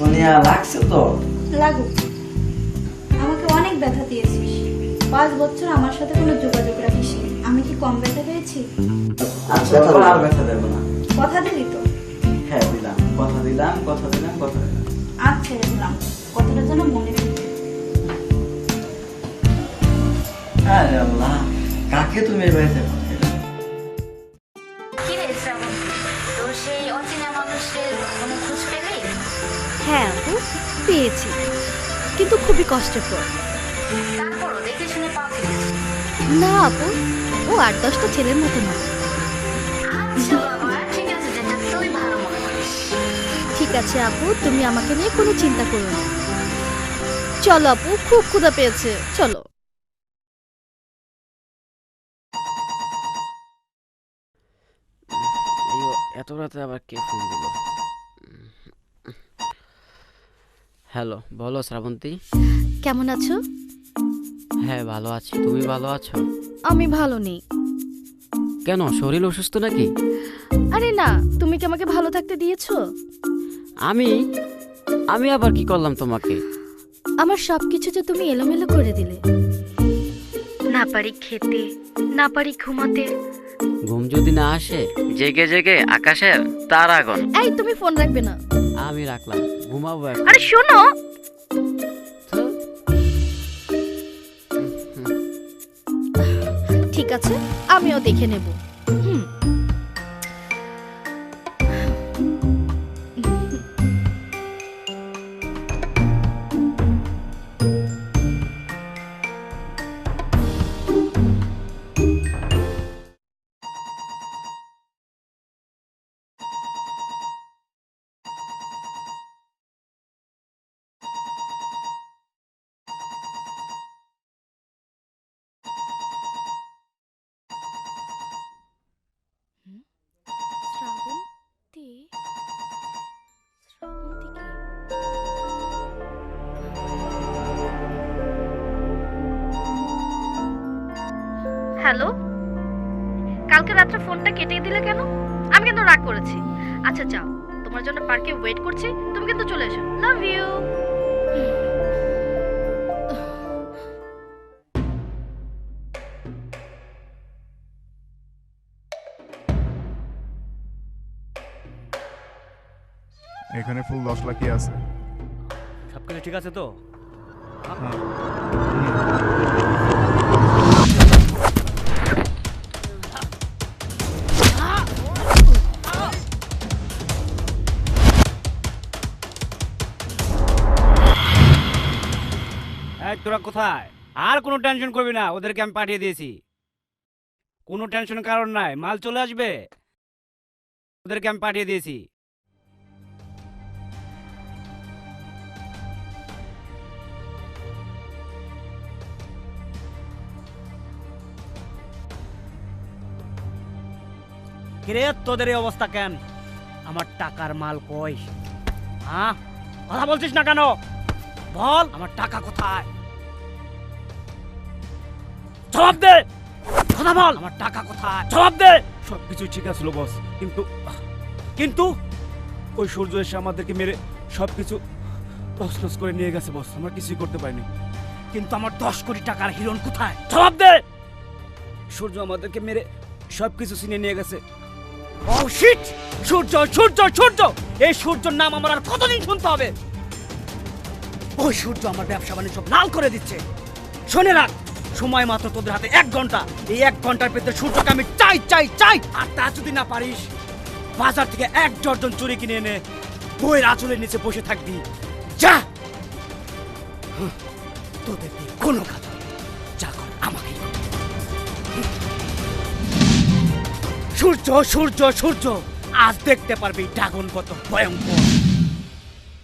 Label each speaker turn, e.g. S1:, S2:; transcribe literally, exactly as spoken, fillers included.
S1: সোনিয়া লাগছে তো?
S2: লাগুক, আমাকে অনেক ব্যথা দিয়েছিস, পাঁচ বছর আমার সাথে কোনো যোগাযোগ রাখিস নি। আমি কি কম ব্যথা পেয়েছি?
S1: আচ্ছা আর ব্যথা দেবো না।
S2: কথা দিলি তো?
S1: হ্যাঁ দিলাম, কথা দিলাম কথা দিলাম কথা দিলাম।
S2: আচ্ছা দিলাম, কথাটা যেন মনে রাখবি।
S1: আরে আল্লাহ, কাকে তুমি এই বাড়িতে পাঠালে?
S3: কি রে শ্রাবণ, তোর সেই অচেনা মানুষের কোনো খোঁজ পেলি?
S4: হ্যাঁ আপু, পেয়েছি, কিন্তু খুবই কষ্টের পর।
S3: তারপরও দেখে শুনে পাবি।
S4: না আপু, ও আট দশটা ছেলের মতো না।
S3: আচ্ছা বাবা, ঠিক আছে, যেটা তুই ভালো মনে করিস।
S4: ঠিক আছে আপু, তুমি আমাকে নিয়ে কোনো চিন্তা করো না। চলো আপু, খুব ক্ষুধা পেয়েছে, চলো।
S5: এত রাতে আবার কে ফোন দিল? হ্যালো, বলো শ্রাবন্তী।
S4: কেমন আছো?
S5: হ্যাঁ ভালো আছি, তুমি ভালো আছো?
S4: আমি ভালো নেই।
S5: কেন, শরীর অসুস্থ নাকি?
S4: আরে না, তুমি কি আমাকে ভালো থাকতে দিয়েছো?
S5: আমি আমি আবার কি করলাম তোমাকে?
S4: আমার সবকিছু যে তুমি এলোমেলো করে দিলে। না পারি খেতে, না পারি ঘুমাতে।
S5: ঘুম যদি না আসে, জেগে জেগে আকাশের তারাগণ।
S4: এই তুমি ফোন রাখবে না।
S5: আমি রাখলাম, ঘুমাবো এখন।
S4: আরে শোনো, ঠিক আছে, আমিও দেখে নেব। হুম। শ্রাবন্তী, শ্রাবন্তী কি? হ্যালো, কালকে রাত্রে ফোনটা কেটে দিলে কেন? আমি কিন্তু রাগ করেছি। আচ্ছা যাও, তোমার জন্য পার্কে ওয়েট করছি, তুমি কিন্তু চলে এসো। Love you.
S6: এখানে ফুল দশ লাখই আছে।
S7: সবকিছু ঠিক আছে তো? এই তোরা কোথায়? আর কোনো টেনশন করবি না, ওদেরকে আমি পাঠিয়ে দিয়েছি। কোনো টেনশনের কারণ নাই, মাল চলে আসবে। ওদেরকে আমি পাঠিয়ে দিয়েছি। কিরে তোদের এই অবস্থা কেন? আমার টাকার মাল কই? হ্যাঁ, কথা বলছিস না কেন? বল, আমার টাকা কোথায়? জবাব দে, কথা বল, আমার টাকা কোথায়? জবাব দে।
S8: সবকিছু ঠিক আছিল বস, কিন্তু কিন্তু ওই সূর্য এসে আমাদেরকে মেরে সবকিছু তছনছ করে নিয়ে গেছে বস, আমরা কিছুই করতে পারিনি।
S7: কিন্তু আমার দশ কোটি টাকার হিরণ কোথায়? জবাব দে।
S8: সূর্য আমাদেরকে মেরে সবকিছু ছিনিয়ে নিয়ে গেছে।
S7: ও শিট! সূর্য, সূর্য, সূর্য! এই সূর্যর নাম আমার আর কতদিন শুনতে হবে? ওই সূর্য আমার ব্যবসা বাণিজ্য সব লাল করে দিচ্ছে। শুনে রাখ, সময় মাত্র তোদের হাতে এক ঘন্টা। এই এক ঘন্টার ভেতরে সূর্যকে আমি চাই চাই চাই। আর তা যদি না পারিস, বাজার থেকে এক ডজন চুরি কিনে এনে বইয়ের আঁচলের নিচে বসে থাকবি। যা, হুঁ, তোদের দিয়ে কোনো কাজ হবে না। যা কর আমাকেই কর। সূর্য, সূর্য, সূর্য, আজ দেখতে পারবি ড্রাগন কত ভয়ঙ্কর।